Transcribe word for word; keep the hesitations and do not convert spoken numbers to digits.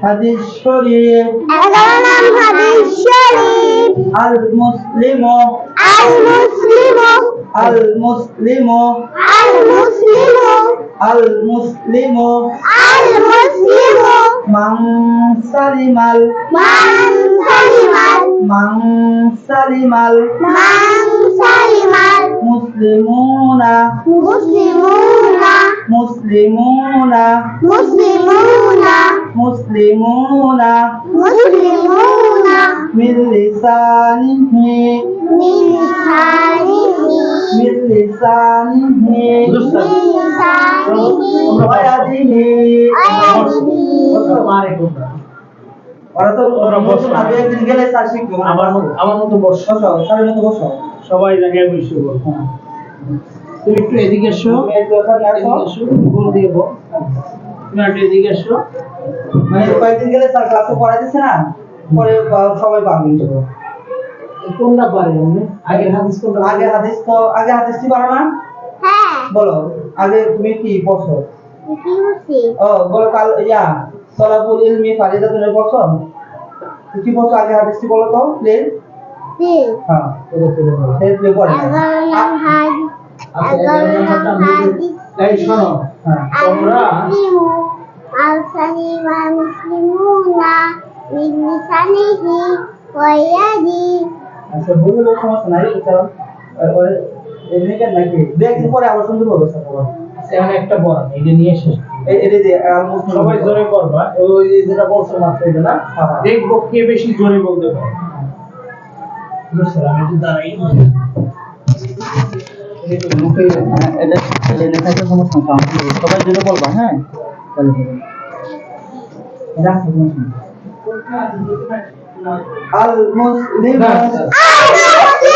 হাদিস শরীফ এগারো নং হাদিস শরীফ আল মুসলিমু আল মুসলিমু আল মুসলিমু আল মুসলিমু আল মুসলিমু আল মুসলিমু মান সালিমাল মান সালিমাল মান সালিমাল মান সালিমাল মুসলিমুনা মুসলিমুনা মুসলিমুনা মুসলিমুনা মুসলিমুনা মুসলিমুনা মিন লিসানিহি মিন লিসানিহি মিন লিসানিহি মিন লিসানিহি ওয়া ইয়াদিহি আয়াদিহি ওরা তো ওরা বসো না একদিন গেলে তা শিখবে আমার মতো আমার মতো বসো, বসো সাড়ে মতো বসো সবাই জায়গায় বসে বল। তুমি একটু এদিকে এসো, তুমি একটু ওখানে আসো। এদিকে এসো, গোল দিয়ে বল। তুমি একটু এদিকে এসো। মানে কয়েকদিন গেলে স্যার ক্লাসে পড়াই দিচ্ছে না পরে আহ, সবাই পারবে ইনশাআল্লাহ। কোনটা পারে আপনি? আগের হাদিস কোনটা? আগে হাদিস তো আগে হাদিসটি পারো না হ্যাঁ বলো আগে তুমি কি পড়ছো কি হচ্ছে ও বলো কাল ইয়া সলাবুল ইলমি ফারিদা তুমি পড়ছো তুমি কি পড়ছো আগে হাদিসটি বলো তো প্লিজ দিল হ্যাঁ পুরো পুরো বলো। সেই প্লে পড়ে এগারো নং হাদিস আচ্ছা, এগারো এগারো নং নম্বরটা আমি হাদিস বলি। এই শোনো, হ্যাঁ তোমরা মুসলিমু আল সালিমা মুসলিমুনা মিন লিসানিহি ওয়া ইয়াদিহি আচ্ছা বললে কোনো সমস্যা নাই কারণ ওরে এমনি কেন নাকি দু একদিন পরে আবার সুন্দর হবে স্যার বলো আচ্ছা, এখন একটা পড়ান, এটা নিয়ে শেষ। এই এই যে আহ, মুসলিম সবাই জোরে পড়বা, ওই যে যেটা বলছো মাত্র এটা না? হ্যাঁ, হ্যাঁ। দেখবো কে বেশি জোরে বলতে পারে। বুঝছো, আমি একটু দাঁড়াই। এই তো মুখে হ্যাঁ, এটা লেনে থাকে সমস্যা না সবাই জুড়ে বলবা হ্যাঁ তাহলে হবে রাখো আল মুসলিম না, আল